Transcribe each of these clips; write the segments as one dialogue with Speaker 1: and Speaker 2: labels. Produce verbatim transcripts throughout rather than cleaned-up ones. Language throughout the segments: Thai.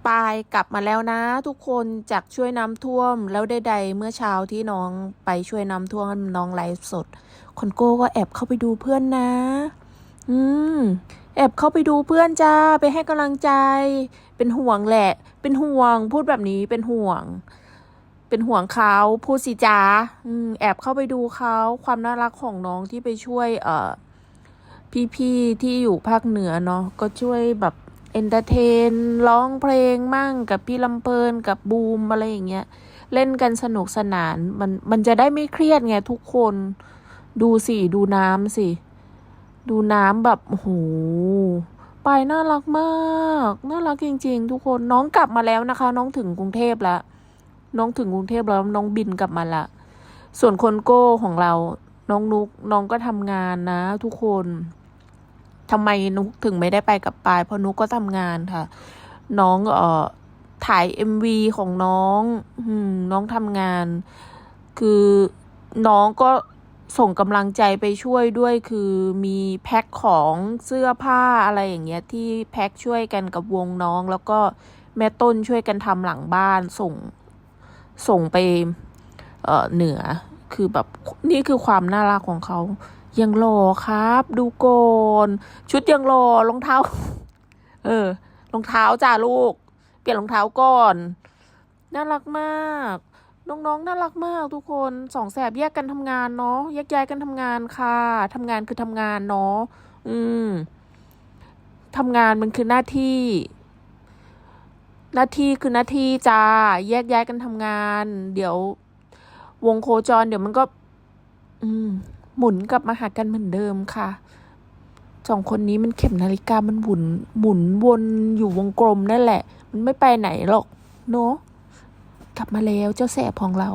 Speaker 1: ปายกลับมาแล้วนะทุกคนจากช่วยน้ำท่วมแล้วใดๆเมื่อเช้าที่น้องไปช่วยน้ำท่วมน้องไลฟ์สดคนโก้ก็แอบเข้าไปดูเพื่อนนะอืมแอบเข้าไปดูเพื่อนจ้าไปให้กำลังใจเป็นห่วงแหละเป็นห่วงพูดแบบนี้เป็นห่วงเป็นห่วงเขาพูดสิจ้าอืมแอบเข้าไปดูเขาความน่ารักของน้องที่ไปช่วยเอ่อพี่ๆที่อยู่ภาคเหนือเนาะก็ช่วยแบบเอนเตอร์เทนร้องเพลงมั่งกับพี่ลำเพลินกับบูมอะไรอย่างเงี้ยเล่นกันสนุกสนานมันมันจะได้ไม่เครียดไงทุกคนดูสิดูน้ำสิดูน้ำแบบโอ้โหไปน่ารักมากน่ารักจริงๆทุกคนน้องกลับมาแล้วนะคะน้องถึงกรุงเทพแล้วน้องถึงกรุงเทพแล้วน้องบินกลับมาละส่วนคนโก้ของเราน้องนุกน้องก็ทำงานนะทุกคนทำไมนุกถึงไม่ได้ไปกับปายเพราะนุกก็ทำงานค่ะน้องเอ่อถ่าย เอ็ม วี ของน้องอืมน้องทำงานคือน้องก็ส่งกำลังใจไปช่วยด้วยคือมีแพ็คของเสื้อผ้าอะไรอย่างเงี้ยที่แพ็คช่วยกันกับวงน้องแล้วก็แม่ต้นช่วยกันทำหลังบ้านส่งส่งไปเอ่อเหนือคือแบบนี่คือความน่ารักของเขายังหล่อครับดูโกนชุดยังหล่อรองเท้าเออรองเท้าจ้าลูกเปลี่ยนรองเท้าก่อนน่ารักมากน้องๆน่ารักมากทุกคนสองแสบแยกกันทำงานเนาะแยกย้ายกันทำงานค่ะทำงานคือทำงานเนาะอืมทำงานมันคือหน้าที่หน้าที่คือหน้าที่จ้าแยกย้ายกันทำงานเดี๋ยววงโคจรเดี๋ยวมันก็อืมหมุนกลับมาหากันเหมือนเดิมค่ะสองคนนี้มันเข็มนาฬิกามันหมุนหมุนวนอยู่วงกลมนั่นแหละมันไม่ไปไหนหรอกเนาะกลับมาแล้วเจ้าแสบของเรา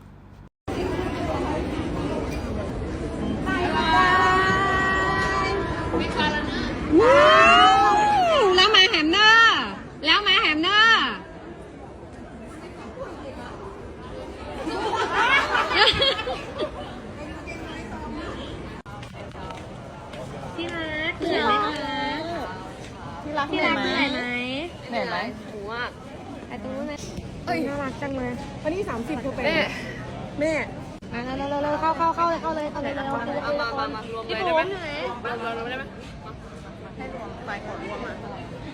Speaker 2: แล้วมาแฮมเนอร์แล้วมาแฮมเนอร์ที่รักเหนื่อยไหมที่รักที่รักเหนื่อยไหมเหนื่อยไหมหนูอ่ะไอ้ตรงนู้นเลยเอ้ยน่ารักจังเลยวันนี้สามสิบคือเป็นแม่มาเร็วเร็วเร็วเข้าเข้าเข้าเลยเข้าเลยเข้าเลยเร็วเอามามามารวมเลยได้ไหมรวมรวมได้ไหมให้รวมใส่ของรวมมา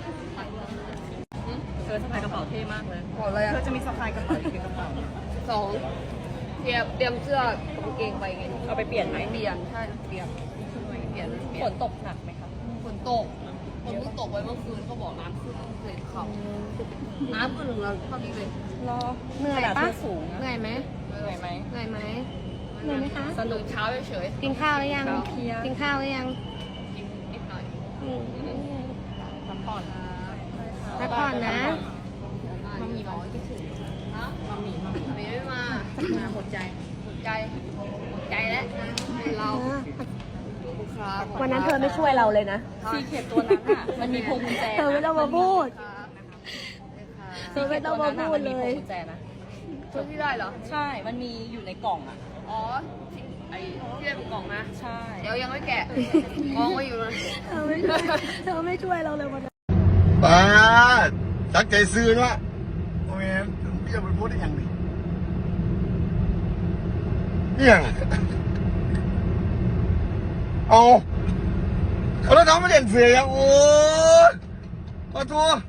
Speaker 2: เธอสะพายกระเป๋าเท่มากเลยบอกเลยเธอจะมีสะพายกระเป๋าอีกกระเป๋าสองเตรียมเตรียมเสื้อกางเกงไปไงเอาไปเปลี่ยนไหมเปลี่ยนใช่เปลี่ยนเปลี่ยนฝนตกหนักไหมคะฝนตกฝนเพิ่งตกไปเมื่อคืนเขาบอกน้ำขึ้นเลยเขาน้ำขึ้นถึงเราเท่านี้เลยรอเหนื่อยปะสูงเหนื่อยไหมเหนื่อยไหมเหนื่อยไหมเหนื่อยไหมคะสนุกเช้าเฉยกินข้าวหรือยังกินข้าวหรือยังกินนิดหน่อยพักผ่อนพักผ่อนนะมามีร้อยที่สุดฮะมามีมามีไม่มามาหมดใจหมดใจหมดใจแล้วเรา
Speaker 3: วันนั้นเธอไม่ช่วยเราเลยนะ
Speaker 2: ซีเข็ดตัวนั้นอ่ะมันมีพวงกุญแจ
Speaker 3: เธอไม่ต้องมาพูดเธอไม่ต้องมาพูดเลย
Speaker 2: กุญแจนะช่วยที่ได้เหรอใช่มันมีอยู่ในกล่องอ่ะอ๋อไอ้ที่ได้เป็นกล่องนะใช่เดี๋ยวยังไม่แกะกองไว้อยู่นะ
Speaker 3: เธอไม่ช่วยเธอไม่ช่วยเราเลยวันนั้น
Speaker 4: ป้าตั้งใจซื้อนะโอ้ยพี่จะไปพูดได้ยังไงยังเอาเอาแล้วน้องไม่เด่นเสียยังโอ้ยขอโทษ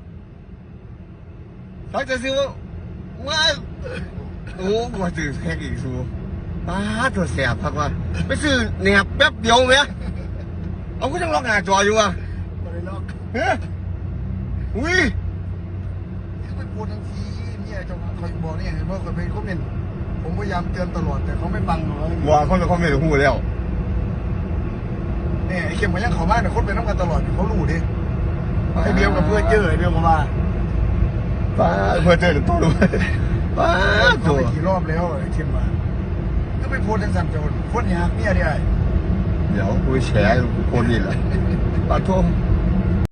Speaker 4: ตั้งใจซื้อว่าโอ้กว่าซื้อแค่กี่ซูป้าตัวแสบพักว่าไปซื้อเนี่ยแป๊บเดียวไหมเอาก็ยังล็อกหน้าจออยู่อ่ะไม่ได้ล็อกเฮ้ยอุ้ยที่ไปพูดทั้งทีเนี่ยจะคอยบอกนี่เห็นว่าคนไปคอมเมนต์ผมพยายามเตือนตลอดแต่เขาไม่ฟังเลยว่าเขาจะคอมเมนต์กับหูแล้วเนี่ยไอ้เข็มมันยังเขามากแต่คนเป็นน้ำกันตลอดเขารู้ดิไอ้เบียมกับเพื่อนเจอไอ้เบียมกับมาป้าเพื่อนเจอถึงตัวด้วยป้าตัวกี่รอบแล้วไอ้เข็มมาก็ไปพูดทั้งสามโจรคนยากเนี่ยดิไอ้เดี๋ยวกูแฉกูคนนี่แหละป้าโทษ